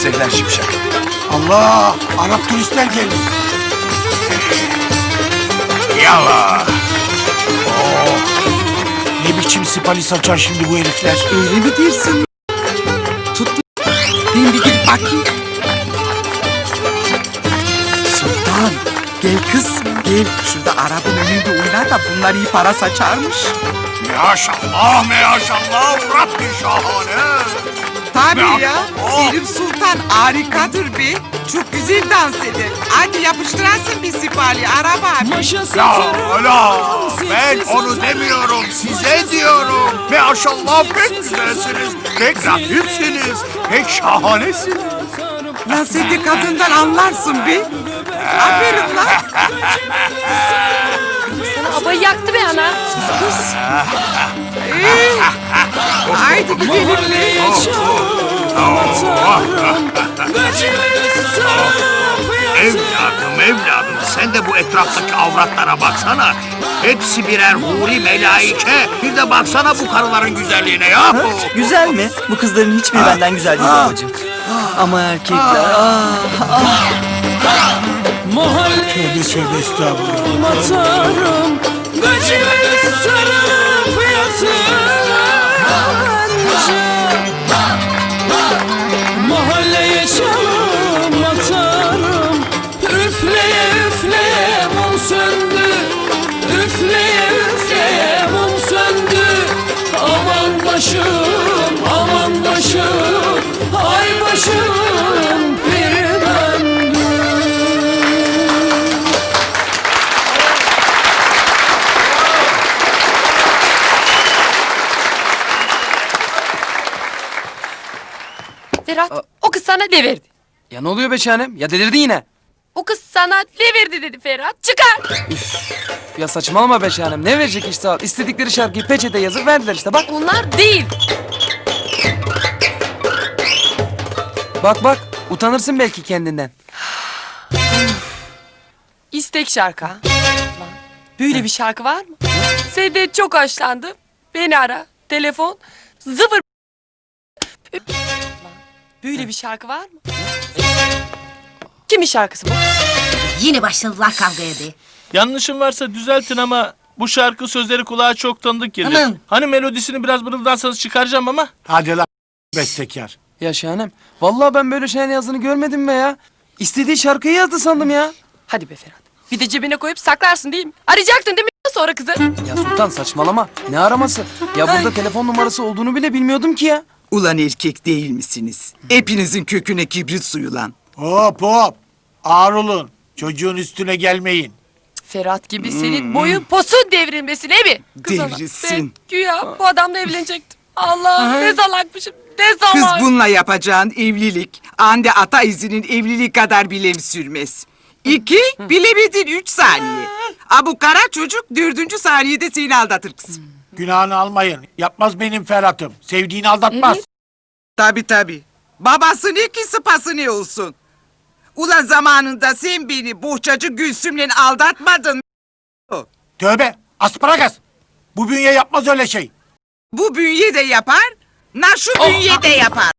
Sevilen Şimşek. Allah! Arap turistler geldi. Yala. Ne biçim sipalis açar şimdi bu herifler? Öyle mi diyorsun? Tut. Ben bir gidip bakayım. Sultan, gel kız, gel. Şurada Arap'ın önünde oynar da bunlar iyi para saçarmış. Maşallah, maşallah, Rabbi şahane. Tabii ya, Oh. benim Sultan harikadır be. Çok güzel dans eder. Hadi yapıştırasın bir sipali Arap abi. La, ben onu demiyorum, size diyorum. Maşallah pek güzelsiniz, pek latifsiniz, pek şahanesiniz. Lan sen de kadından anlarsın be. Aferin lan. Abayı yaktı be ana. Kız. Haydi gidelim be. Evladım, sen de bu etraftaki avratlara baksana. Hepsi birer huri melaike. Bir de baksana bu karıların güzelliğine ya. Güzel mi? Bu kızların hiçbiri benden güzel değil babacığım. Ama erkekler... Tövbe tövbe estağfurullah. Atarım Gacıları sarıp yatınca Mahalleye çalım atarım Üfleye üfleye mum söndü Üfleye üfleye mum söndü Aman başım aman başım Ay başım bir döndü. Ferhat, o kız sana ne verdi? Ya ne oluyor be şahanem? Ya delirdin yine. O kız sana ne verdi dedi Ferhat. Çıkar. Ya saçmalama be şahanem. Ne verecek işte al. İstedikleri şarkıyı peçete yazıp verdiler işte bak. Onlar değil. Bak bak. Utanırsın belki kendinden. İstek şarkı. ha. Lan, böyle bir şarkı var mı? Senden çok hoşlandım. Beni ara. Telefon 0. Lan, böyle bir şarkı var mı? Kimin şarkısı bu? Yine başladılar kavgaya be. Yanlışım varsa düzeltin ama bu şarkı sözleri kulağa çok tanıdık geliyor. Aman. Hani melodisini biraz mırıldansanız çıkaracağım ama. Hadi lan bestekar. Ya şahanem. Vallahi ben böyle şahane yazdığını görmedim be ya. İstediği şarkıyı yazdı sandım ya. Hadi be Ferhat. Bir de cebine koyup saklarsın değil mi? Arayacaktın değil mi sonra kızı? Ya Sultan saçmalama. Ne araması? Ya burada telefon numarası olduğunu bile bilmiyordum ki ya. Ulan erkek değil misiniz? Hepinizin köküne kibrit suyu lan. Hop hop. Ağır olun. Çocuğun üstüne gelmeyin. Ferhat gibi senin boyun posun devrilmesin değil mi? Kız ana, Devrilsin. ben güya bu adamla evlenecektim. Allah ne salakmışım ne Kız salak. bununla yapacağın evlilik, ande ata izinin evliliği kadar bile sürmez. 2, bilemedin 3 saniye. Bu kara çocuk 4. saniyede seni aldatır kız. Günahını almayın. Yapmaz benim Ferhat'ım. Sevdiğini aldatmaz. Evet. Tabii. Babası ne ki sıpası ne olsun. Ulan zamanında sen beni bohçacı Gülsüm'le aldatmadın. Tövbe. Asparagas. Bu bünye yapmaz öyle şey. Bu bünye de yapar, şu bünye de yapar.